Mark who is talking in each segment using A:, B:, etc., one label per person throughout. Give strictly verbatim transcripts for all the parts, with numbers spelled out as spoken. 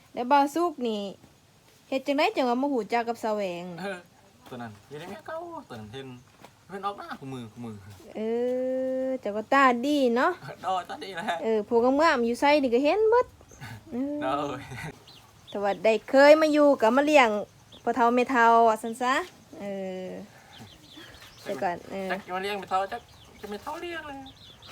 A: แล้วบ่าวสุกนี่เฮ็ดจังได๋จังว่ามาฮู้จักกับแสวง
B: เออตัวนั้นอยังได้แม่เก้าตัวนั้นเห็นเพิ่นออกหน้าคู่มือคู่มือ
A: เออเจ้าก็ตาดีเนาะ
B: ดอตาดีแหละ
A: เออพวกงามๆอยู่ไสนี่ก็เห็นเบิดเอ
B: ดอ
A: อแต่ว่าได้เคยมาอยู่ก็มาเลี้ยงพ่อเฒ่าแม่เฒ่าว่าซั่นซะเออแต่ก่อนเออ
B: จักจะมาเลี้ยงไปเท่าจักจะไม่เท่าเลี้ยงเลย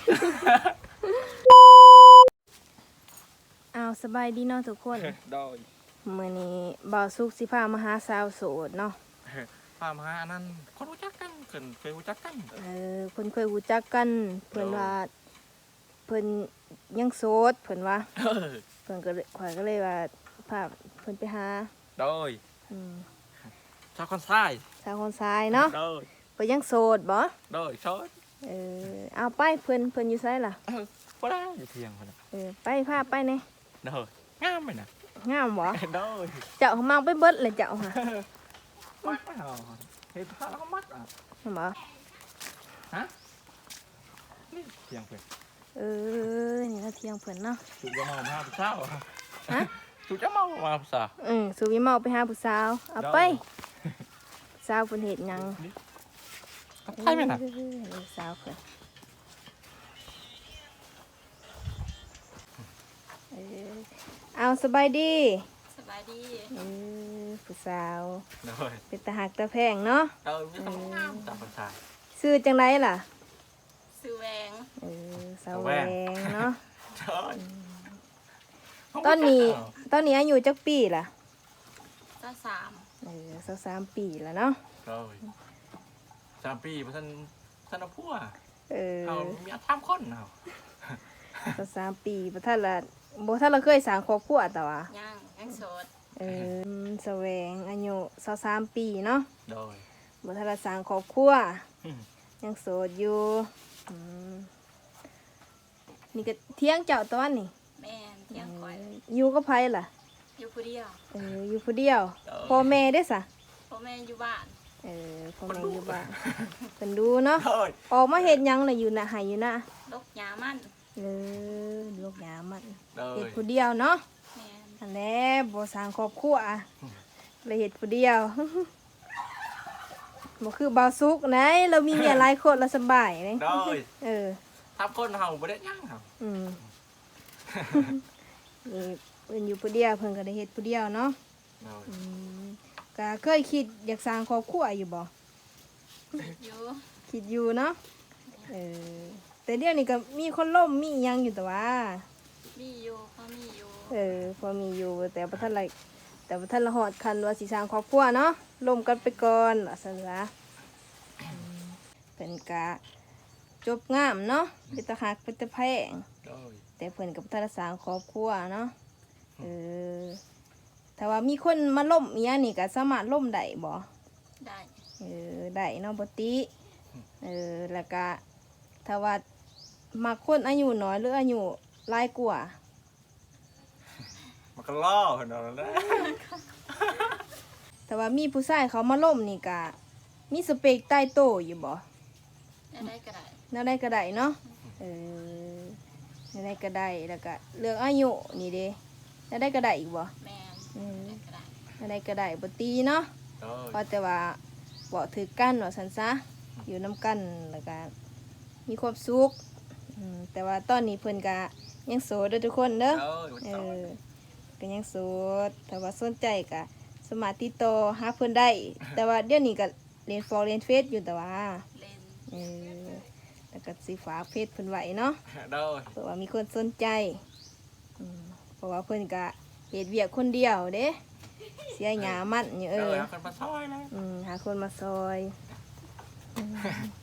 A: อ้าวสบายดีเนาะทุกคน
B: ดอ
A: มื้อนี้บ่าวสุกสิพามาหาสาวโสดเนาะ
B: พามาอันนั้นคนรู้จักกันเพิ่นเคยรู้จักกัน
A: เออเพิ่นเคยรู้จักกันเพิ่นว่าเพิ่นยังโสดเพิ่นว่า
B: เออ
A: เพิ่นก็เลยข่อยก็เลยว่าพาเพิ่นไปหา
B: ดอ
A: อืม
B: ชาวคนซ้าย
A: สาวคนซ้ายเนาะ
B: ดอ
A: เพิ่นยังโสดบ่
B: ดอชด
A: เออเอาไปเพิ่นเพิ่นอยู่ไสล่ะ
B: เออบ่ได้อยู่เพียงคนน่ะ
A: เออไปพาไปแหน่
B: ดองามไหมน่ะ
A: งามบ่
B: ดอ
A: เจ้ามังไปเบิดเลยเจ้าค่ะ
B: มัดเอาเฮ็ดผ้าแล้วก็มัดอ่ะ
A: เห็นบ่
B: ฮะนี่เพียงเพิ่น
A: เออนี่เราเที่ยงเพิ่นเนาะ
B: ถูกจะเมามาผู้สาว
A: ฮะ
B: ถูกจะเมามาผู้สาว
A: อือสุวิเมาไปหาผู้สาวเอาไปสาวเพิ่นเฮ็ดหยัง
B: ใช่ไหมน่ะ
A: เออสาวเพิ่นเออเอาสบายดี
C: สบายดี
A: เออผู้สาว
B: ดอ
A: เป็นตาหักตาแพงเนาะ
B: ดอมีแต่งามจากผู้ชาย
A: ชื่อจังไดล่ะ
C: ซื้อแหวง
A: เออสาว
B: สาว
A: แห
B: แห
A: ว
B: ว
A: งเนาะ
B: ดอ
A: ตอนนี้ตอนนี้อายุจักปีล่ะ
C: ก็สาม
A: เออสักสามปีแล้วเนาะ
B: ดอสามปีเพราะท่านท่านเอาพัว
A: เออ
B: เอามีอาทามคนเอา
A: สักสามปีบ่ทันละบ่ทันละเคยสร้างครอบครัวแต่ว่า
C: ย่างยังโสด
A: เออแสวงอายุสักสามปีเนาะ
B: ดอย
A: บ่ทันละสร้างครอบครัว
B: อืม
A: ยังโสดอยู่อืมนี่ก็เที่ยงเจ้าตอนนี่
C: แม่นเที่ยงคอย
A: อยู่กับไผล่ะ
C: อยู่ผู้เดียว
A: เอออยู่ผู้เดียวพ่อแม่ได้ซะ
C: พ่อแม่อยู่บ้าน
A: เออพ่อแม่อยู่บ้านเพิ่นดูเนาะ
B: ดอย
A: ออกมาเฮ็ดหยังน่ะอยู่น่ะให้อยู่น่ะ
C: ลกหยามัน
A: เออลูกหยามัน
B: ดอ
A: เฮ็ด
B: ย
A: ผู้เดียวเนาะ
C: แม่น
A: อันแหละบ่สร้างครอบครัวอะเลยเฮ็ดผู้เดียว บ่คือบ่าวสุกไหนเรามีเมียหลายคนเราสบายเลย
B: ดอย
A: เออ
B: ทำคนเฮาบ่ได้ย่างเฮา
A: อืม นี่เพิ่นอยู่ผู้เดียวเพิ่นก็ได้เฮ็ดผู้เดียวเนาะ
B: ดอย
A: อืมก็เคยคิดอยากสร้างครอบครัวอยู่บ่
C: อยู่
A: คิดอยู่เนาะเออแต่เดี๋ยวนี้ก็มีคนล่มมีอิหยังอยู่แต่ว่า
C: มีอยู่พ่อมีอยู่
A: เออพอมีอยู่แต่บ่ทันไรแต่บ่ทันละฮอดคันว่าสิสร้างครอบครัวเนาะล่มกันไปก่อนว่าซั่นซะอืมเป็นกะจบงามเนาะเป็นตาหักเป็นตาแพง
B: ดอย
A: แต่เพิ่นก็บ่ทันได้สร้างครอบครัวเนาะเออถ้าว่ามีคนมาล่มอีหยังนี่ก็สามารถล่มได้บ่
C: ได้
A: เออได้เนาะบ่ติเออแล้วก็ถ้าว่ามักคนอายุน้อยหรืออายุหลายกว่า
B: มันก็ล่อเพิ่นเอาแล้ว
A: แต่ว่ามีผู้ชายเขามาล่มนี่กะมีสเปกใต้โตวอยู่บ่
C: ได้ได้ก็ได้
A: แนวใดก็ได้เนาะเออแนวใดก็ได้แล้วก็เรื่องอายุนี่เด้แนวใดก็ได้อีกบ่
C: แม่น
A: อืม
C: ได้ก็ได้
A: แนวใดก็ได้บ่ตีเนาะ
B: ดอย
A: เพราะแต่ว่าบ่ถือกันว่าซั่นซะอยู่นํกันแล้วก็มีความสุขอืมแต่ว่าตอนนี้เพิ่นก็ยังโสดเด้อทุกคนเด้อ
B: ดอย
A: เออก็ยังโสดแต่ว่าสนใจก็สามารถติดต่อหาเพิ่นได้ แต่ว่าเดี๋ยวนี้ก็เรียนฟอร์เรียนเฟซอยู่แต่ว่า
C: เล่น
A: เออแล้วก็สิฝากเฟซเพิ่นไว้เนาะ
B: ดอย
A: เผื่อว่ามีคนสนใจอืมเพราะว่าเพิ่นก็เฮ็ดเวียกคนเดียวเด้เสียหยามันอยู่เอ
B: ดอ
A: อย
B: เอาคนมาซอยเลย
A: อืมหาคนมาซอยอืม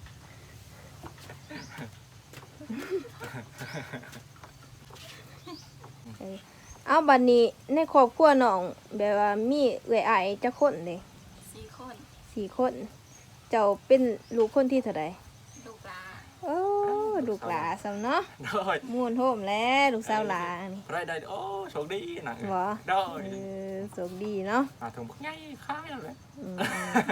A: เออเอาบัดนี้ในครอบครัวน้องแบบว่ามีเอื้อยอ้ายจักคนเด้
C: สี่คน
A: สี่คน เจ้าเป็นลูกคนที่เท่าใด
C: ลูกหลา
A: โอ้ลูกหลาสำเนาะ
B: ดอย
A: ม่วนโฮมแล้วลูกสาวหลานี่
B: ได้ได้โอ้โชคดีนะ
A: บ่
B: ดอ
A: เอย อโชคดีเนาะ
B: มาถึงพวกง่ายข้ายเลย
A: อืม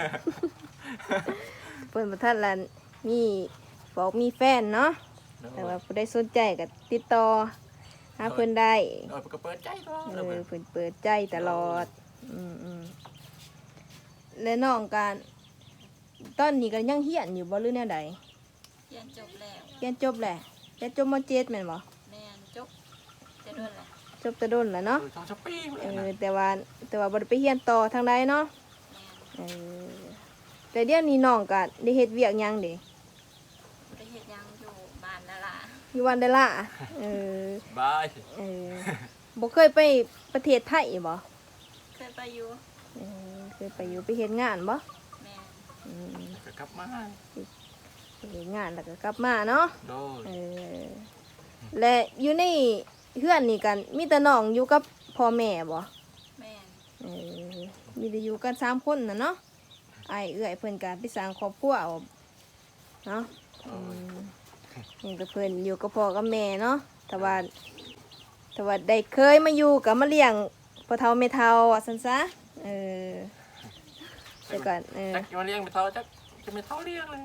A: เพิ่นบ่ทันละมีบอกมีแฟนเนาะแต่ว่าผู้ใดสนใจก็ติดต่อหาเพิ่นได้
B: เออเพิ่นก็เปิดใจก็
A: เอ
B: แล้ว
A: อ
B: เพิ่น
A: เพิ่นเปิดใจตลอดอืมอืมและน้องการตอนนี้ก็ยังเฮียนอยู่บ่หรือแนวใด
C: เรียนจบแล้ว
A: เรียนจบแหละเรียนจบมเจ็ดแม่นบ่
C: แม่นจบจะโดนแหละ
A: จบแต่โดนแล้วเนาะ
B: เออช่องช้อปปี้
A: เอ
B: เลย
A: อ
B: นะ
A: แต่ว่าแต่ว่าบ่ได้ไปเรียนต่อทางใดเนาะ
C: แม่น
A: เออแต่เดี๋ยวนี้น้องก็ได้เฮ็ดเวียกหยังเด้
C: บ่ได้เฮ็ดหยังอยู่บ้านนั่นล่ะ
A: อยู่วันเดล่าเออบ
B: าย
A: เออบ่เคยไปประเทศไทยบ่
C: เคยไปอยู่
A: เออเคยไปอยู่ไปเฮ็ดงานบ่
C: แม่น
A: อืม
B: ก็กลับมา
A: ไปเฮ็ดงานแล้วก็กลับมาเนาะ
B: โดย
A: เออและอยู่ในเฮือนนี่กันมีแต่น้องอยู่กับพ่อแม่บ่
C: แม่น
A: เออมีแต่อยู่กันสามคนน่ะเนาะอ้ายเอื้อยเพิ่นก็ไปสร้างครอบครัวเอาเนาะ
B: โด
A: อื
B: ย
A: มนี่ก็เพิ่นอยู่กับพ่อกับแม่เนาะแต่ว่าแต่ว่าได้เคยมาอยู่ก็มาเลี้ยงพ่อเฒ่าแม่เฒ่าว่าซั่นซะเออแต่ก่อนเออ
B: จักจะมาเลี้ยงไปเท่าจักจะไม่เท่าเลี้ยงเลย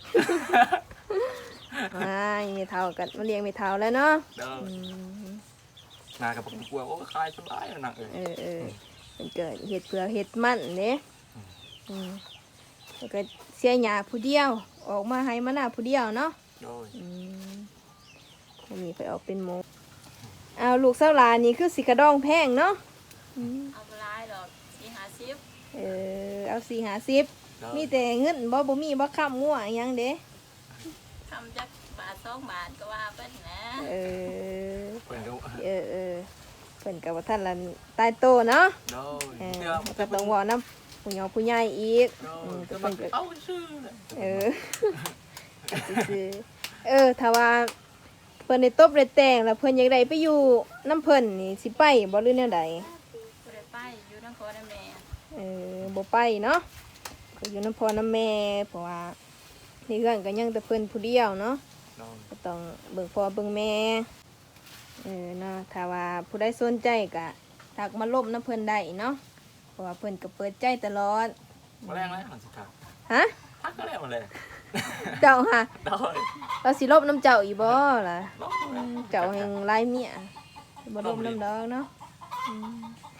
A: อ่าแม่เฒ่าก็มาเลี้ยงแม่เฒ่าแล้วเนาะ
B: เด้อ
A: อืม
B: นากับผมกลัวโอ้คลายสบายแล้วนางเอ้ย
A: เออเออมันเกิดเห็ดเผือกเห็ดมันเด้
B: อืม
A: อืมแล้วก็เสียหยาผู้เดียว ออกมาให้มาหน้าผู้เดียวเนาะ
B: โดย
A: อืมอันนี้ไปออกเป็นหมูเอาลูกสาวหลานนี่คือสิกระดองแพงเนาะอืม
C: เอาบ่หลายดอกสี่ห้าสิบ
A: เออเอาสี่หาสิบ
B: โดย
A: มีแต่เงินบ่บ่มีบ่ค้ำงัวอิหยังเด้
C: ทำจักบาทสองบาทก็ว่าเพิ่นนะ
A: เออ
B: เพิ่นก็
A: เออเออเพิ่นกับว่าท่านละตายโตเนาะ
B: โดย
A: เออ
B: เชื่อ
A: แล้วก็ต้องเว่าน้ำผู้ใหญ่ผู้ใหญ่อีก
B: โด
A: อื
B: ย
A: ม
B: ก็
A: ก็
B: มั
A: เพิ่
B: น
A: นก็
B: เอาชื่อเลย
A: เออ ซื่อๆเออถ้าว่าเพิ่นได้ตบได้แต่งแล้วเพิ่นอยากได้ไปอยู่น้ำเพิ่นนี่สิไปบ่หรือแนวใด
C: บ่ได้ไปอยู่นครแม่
A: เออบ่ไปเนาะก็อยู่น้ำพ่อน้ำแม่เพราะว่าในเรื่องก็ยังแต่เพิ่นผู้เดียวเนาะ
B: โดย
A: ก็ต้องเบิ่งพ่อเบิ่งแม่เออเนาะถ้าว่าผู้ใดสนใจก็ทักมาลบน้ำเพิ่นได้เนาะเพราะว่าเพิ่นก็เปิดใจตลอด
B: มาแรงแล้วหลังสุดท้าย
A: ฮะ
B: พักก็แล้วมาเลย
A: เจ้าฮะ
B: โดย
A: เราสิลบน้ำเจ้าอีบ่ล่ะ
B: โด
A: อื
B: ย
A: มเจ้าแห่งลายเมียบ่ลบน้ำดอกเนาะอืม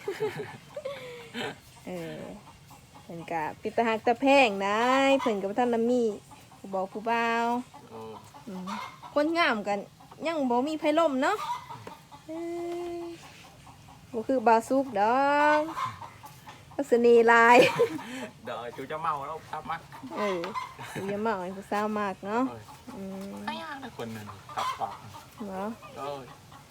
A: เออเพิ่นก็ปิดตาหักตาแพงได้เพิ่นก็บ่ทันละมีผู้บอกผู้บ่าว
B: โดย
A: อืมคนงามกันยังบ่มีไผล่มเนาะเอ้ยบ่คือบาวซุกดอกลักษณีลาย
B: เดี๋ยวจูจะเมาแล้วทับมัก
A: เอออย่ามาให้ผู้สาวมากเนาะ
B: โดย
A: อืม
B: ไม่ยากนะคนหนึ่งทับปาก
A: เนาะ
B: โดย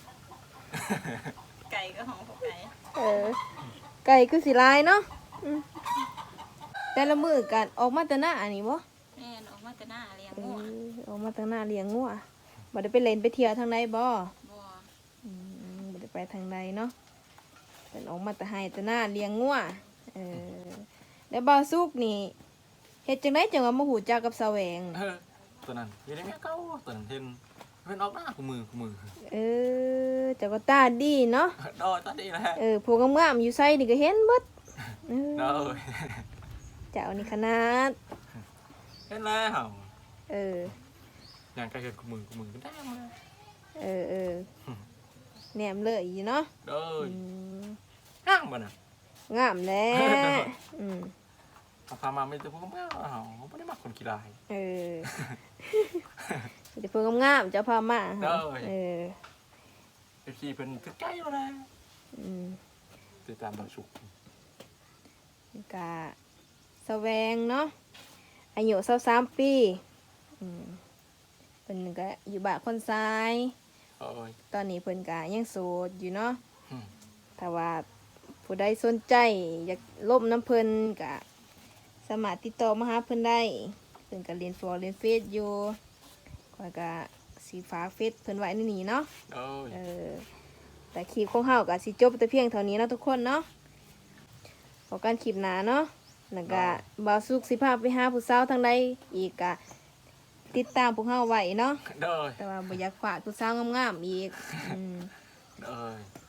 C: ไก่ก็ของพวกไก่
A: เออไก่คือสิลายเนาะอืมแต่ละมื้อกันออกมาแต่หน้าอันนี้บ่
C: แม่นออกมาแต่หน้าเลี้ยง
A: เอ
C: งัว
A: อออกมาแต่หน้าเลี้ยงงัวบ่ได้ไปเล่นไปเที่ยวทางใดบ่
C: บ่
A: อืมบ่ได้ไปทางใดเนาะเป็นออกมาแต่ให้แต่หน้าเลี้ยงงัวเออแล้วบาวสุกนี่เฮ็ดจังไดจังว่ามาหูจักกับแสวง
B: เออตัวนั้นอยังได้แม่เก้าตัวนั้นเห็นเพิ่นออกหน้ากูมือกูมือ
A: เออเจ้าก็ตาดีเนาะ
B: โดยตอนนี้แหละ
A: เออพวกงามๆอยู่ไสนี่ก็เห็นเบิดเออ
B: โดย
A: เจ้านี่ขนาด
B: เห็นแล้ว
A: เออ
B: อย่างใกล้เห็นกูมือกูมือก็ได้มา
A: เออเออแหนมเลยอยู่เนาะ
B: โดย
A: อืม
B: ห้างบ่น่ะ
A: งามแหล้อืม
B: เอาพามาไม่ได้พวกมึงเอาเขาไม่ได้มาคนกีฬา
A: เออเดี๋ยวพวกงามๆเจ้าพามาหา
B: ได้
A: เออ
B: เอฟซีเป็นถึงใกล้แล้วนะ
A: อืม
B: ติดตามเราสุก
A: กะแสวงเนาะอายุสาวสามปีอืมเพิ่นก็อยู่บ้านคนซ้าย
B: โอ้ย
A: ตอนนี้เพิ่นก็ยังโสดอยู่เนาะ
B: อืม
A: ถ้าว่าผู้ใดสนใจอยากล่มน้ำเพิ่นก็สามารถติดต่อมาหาเพิ่นได้เพิ่นก็เรียนฟอร์เรียนเฟซอยู่ข้อยก็สีฟ้ากเฟซเพิ่นไว้ในนี้เนาะ
B: โอ้ย
A: เออแต่คลิปของเฮาก็สิจบแต่เพียงเท่านี้เนาะทุกคนเนาะพอกันคลิปหน้าเนาะแล้วก็บ่าวสุกสิพาไปหาผู้สาวทางใดอีกก็ติดตามพวกเฮาไว้เนาะ
B: โดย
A: แต่ว่าบ่อยากฝากผู้สาวงามๆอีกอืม
B: โดย